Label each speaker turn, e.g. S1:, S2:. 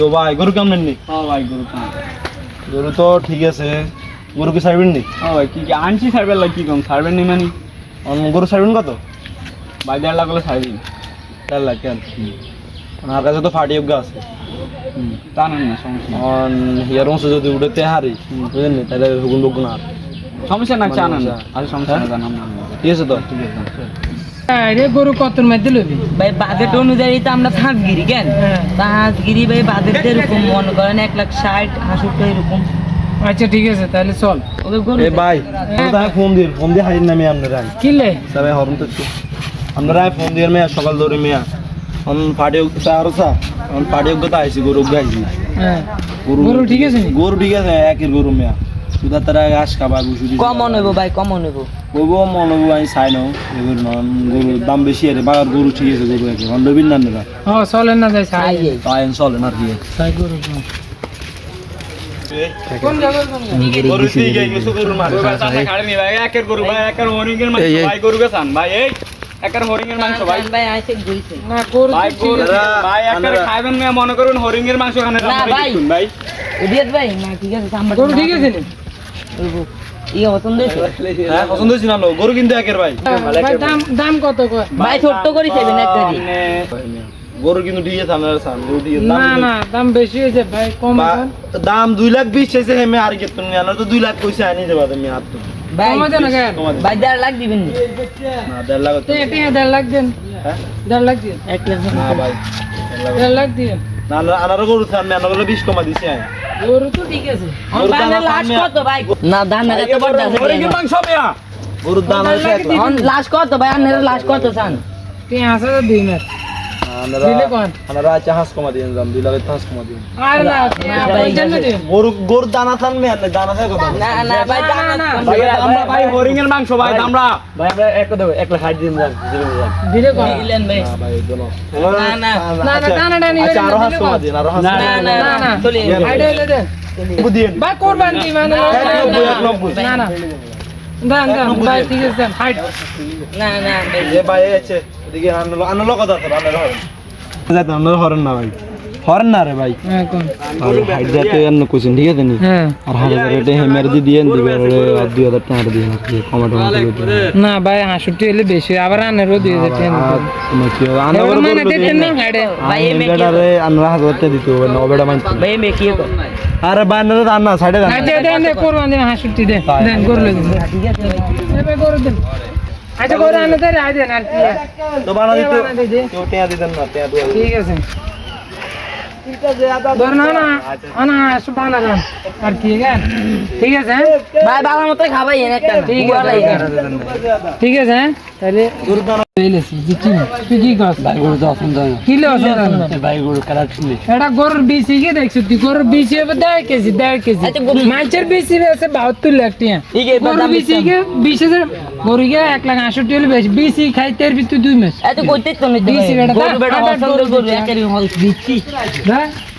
S1: তো ভাই গরু কেমন নি?
S2: হ্যাঁ ভাই গরু কেমন?
S1: গরু তো ঠিক আছে, গরু কি ছাড়বেন নি?
S2: হ্যাঁ ভাই কি কি আনছি সার্ভের লাগ কি কম সার্ভের নি মানে
S1: গরু ছাড়বেন কত?
S2: ভাই 1.5 লাখ হলে সার্ভিং
S1: 4 লাখ কেন? আমার কাছে তো ফাটি অজ্ঞা আছে।
S2: তা না না সমস্যা নেই।
S1: হিয়ার অংশ যদি উঠেতে হারি বুঝলেন নি, তাহলে হুকুন বকুন আর
S2: সমস্যা না চা না
S1: সমস্যা।
S2: আর সমস্যা না জানাম না
S1: ঠিক আছে তো?
S2: ঠিক আছে
S3: আরে গরু কতর মধ্যে লবি
S4: ভাই বাজেট অনুযায়ী তো আমরা হাঁসগিরি কেন হাঁসগিরি ভাই বাজেট এরকম মনে করেন 1,60,65 এরকম।
S3: আচ্ছা ঠিক আছে তাহলে চল
S4: ওকে গরু
S1: এ ভাই তাই ফোন দিয়ে হারিয়ে নামি আপনারা
S3: কিলে
S1: সবাই হরন তো একটু আপনারা ফোন দিয়ে মেয়া সকাল ধরে মেয়া ফাটি অজ্ঞতা আরো চা ফাটি অজ্ঞতা আইসি গরু অজ্ঞা আইসি
S3: হ্যাঁ গরু ঠিক আছে নি?
S1: গরু ঠিক আছে একের গরু মেয়া সুদা তারা ঘাস খাবা বুঝু
S4: কমন হইব ভাই কমন হইব।
S1: বলবো মনে হবো আমি চাই নাও এগুলো নন গরুর দাম বেশি আছে বাগার গরু ঠিক আছে গরু একে হন্ডবিন না নেরা
S3: হ্যাঁ চলেন না যাই সাই
S4: আই
S1: তাই চলে না কি
S3: সাই গরু কোন জায়গা
S1: গরু ঠিক আছে কিছু গরু মার
S2: ভাই চাচা খাড়ে নি ভাই একের গরু ভাই একের হরিং এর মাংস ভাই গরু গেছান ভাই এই একের হরিং এর মাংস ভাই
S4: ভাই আইছে গইছে
S3: না গরু
S2: ভাই
S3: তো ঠিক
S2: গরু
S3: আছে।
S2: ভাই একের খাইবেন না মনে করুন হরিং এর মাংস খানে
S4: না ভাই।
S2: ভাই
S4: ইডিয়েট ভাই না ঠিক আছে আমরা
S3: গরু ঠিক আছে নি?
S4: ইয়ে পছন্দ হইছে
S1: হ্যাঁ পছন্দ হয়েছে না গরু কিন্তু একের ভাই
S3: ভাই দাম কত কয়?
S4: ভাই ছোট্ট করে খাইবেন এক গাড়ি।
S1: গরু কিন্তু ঠিক আছে আপনারা চান গরু ঠিক আছে
S3: না না দাম বেশি হয়েছে ভাই কম এখন।
S1: দাম 2,20,000 চাইছে হেমে আর কি তুমি আনার তো 2 লাখ কইছে আনি যাবা তুমি আর তো
S4: ভাই
S3: কমা দেন না কেন?
S4: ভাই 1.5 লাখ দিবেন নি?
S1: না 1.5 লাখ
S3: তে 1.5 লাখ দেন
S1: হ্যাঁ
S3: 1.5 লাখ দিন
S4: 1 লাখ
S1: না ভাই
S3: 1.5 লাখ দিন
S1: না আনার গরু থাম আমি আনার 20 কমা দিছি আমি
S3: গরু তো ঠিক আছে
S1: গরুর দাম
S4: লাশ কত ভাই? না দাম না এত বড় আছে
S2: হরিং এর মাংস মেয়া
S1: গরুর দাম আছে 1 লাখ
S4: লাশ কত ভাই আপনারা লাশ কত চান?
S3: 5,000 দিন আর দিলে কোন?
S1: আনারা আছে হাঁস কমা দিন দাম 2 লাখ হাঁস কমা দিন
S3: আর না পঞ্চান্ন দিন
S1: গরুর দানা থান মে আনলে দানা থাকে কত
S4: না না ভাই দাম
S3: না, না।
S2: ভাই আমরা ভাই হরিং এর মাংস ভাই আমরা
S1: ভাই আমরা 1 দেব 1 লাখ 60 দিন যান
S3: দিলে কোন?
S4: দিলেন ভাই
S1: না ভাই দোনো
S4: না না
S3: না না দানাটা নিয়ে
S1: আচ্ছা আরো হাঁস
S3: দিলে
S1: কমা
S3: কোন?
S1: দিন আরো হাঁস
S4: না না
S3: না না
S4: চলে
S3: আইডিয়া হলে দেন
S1: দিন
S3: ভাই কোরবান দি মানে
S1: 190
S3: না না দান দান ভাই ঠিক আছে দেন হাইট
S4: না না ভাই
S1: এ ভাই আছে এদিকে আনলো কথা তো আনলো হরেন যাতে আনলো হরেন না ভাই হরেন না রে ভাই
S3: হ্যাঁ কোন
S1: আর হাইট যাতে আনলো কোশ্চেন ঠিক আছে নি
S3: হ্যাঁ
S1: আর হাজার রেটে হেমের দি দিয়েন দিবে আর 2,000 টাকা দিয়ে আর কি কমাটো
S3: না ভাই 65 হলে বেশি আবার আনেরও দিয়ে দিতেন এবার মানে দিতেন না হাইডে
S4: ভাই এমে কি
S1: আরে আনরা হাজার টাকা দিতে হবে না ওবেটা মানতে
S4: ভাই এমে কি কর
S1: আরে বান্নারে দান না সাইডে দান
S3: আচ্ছা দেন দে কোরবান দেন 65 দেন দেন গরু দেন
S4: ঠিক আছে ভাই
S3: এবার গরু দেন আচ্ছা গরু আনে দেন আই দেন আর কি
S1: তো বানা দিতে
S3: বানা দিতে।
S1: কেউ টাকা দিতেন না টাকা দুয়া
S3: ঠিক আছে ধর না না আনা সুবানা দেন আর কি গান ঠিক আছে হ্যাঁ?
S4: ভাই বাবার মতো খাবাই একটা
S3: ঠিক আছে ঠিক আছে হ্যাঁ? তাহলে
S1: গরু দান
S3: পেলেছি জিতি না তুই কি করছ
S1: ভাই গরু তো অসুবিধা হয়
S3: কি লে অসুবিধা
S1: ভাই গরু কাটা ছিলে
S3: এটা গরুর বিসি কি দেখছ তুই গরুর বিসি হবে 1.5 কেজি 1.5 কেজি
S4: আচ্ছা, গরু-
S3: মাছের বিসি আছে 72 লাখ টাকা
S4: ঠিক আছে, এবার
S3: গরুর
S4: দাম
S3: বিসি
S4: দিতাম।
S3: কে 20,000 গরু কে 1,68,000 হলে বেশি বিসি খাইতে আর তুই 2 মাস
S4: এত কইতে তো নিতে
S3: দিছি বেটা,
S4: গরু বেটা
S3: আবার
S4: পছন্দ
S3: গরু
S4: গরু
S3: দিচ্ছি।
S4: একেরই হল দিচ্ছি
S3: হ্যাঁ